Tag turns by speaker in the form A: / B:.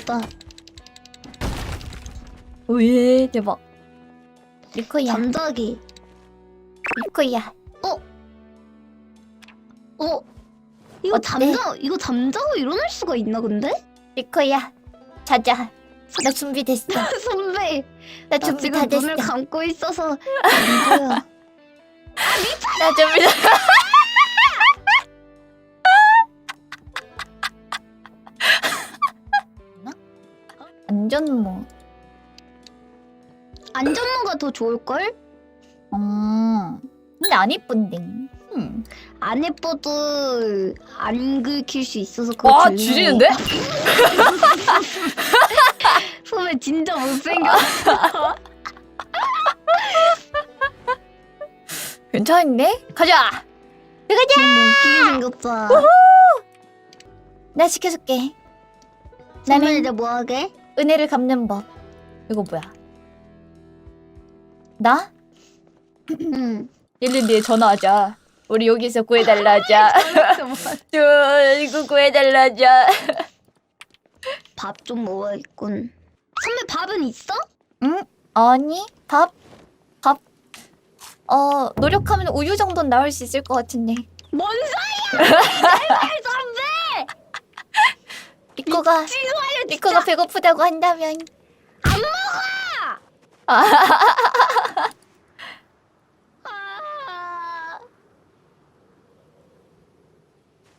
A: 좋다.
B: 오예 대박. 리코야.
A: 잠자기.
B: 리코야.
A: 이거
B: 어때?
A: 이거 잠자고 일어날 수가 있나 근데?
B: 리코야. 자자. 나 준비됐어.
A: 선배.
B: 나
A: 나
B: 준비
A: 지금
B: 다 됐어.
A: 눈을 감고 있어서 안 보여.
B: 나 준비 다. 안전모.
A: 안전모가 더 좋을걸?
B: 근데 안 이쁜데.
A: 안 예뻐도 안 긁힐 수 있어서 그거
B: 와
A: 중요해.
B: 지리는데?
A: 선배 진짜 못생겼어.
B: 괜찮은데? 가자. 가자.
A: 너무 웃기게 생겼잖아.
B: 나 시켜줄게.
A: 선배
B: 나는
A: 이제 뭐 하게?
B: 은혜를 갚는 법. 이거 뭐야? 나?
A: 응.
B: 112에 전화하자. 우리 여기서 구해달라 하자. 이거 구해달라 하자.
A: 밥 좀 먹어야겠군. 선배 밥은 있어?
B: 응? 아니 밥. 노력하면 우유 정도는 나올 수 있을 것 같은데.
A: 뭔 소리야! 제발 선배!
B: 리코가
A: 미치겠어요, 진짜.
B: 리코가 배고프다고 한다면
A: 안 먹어!
B: 아,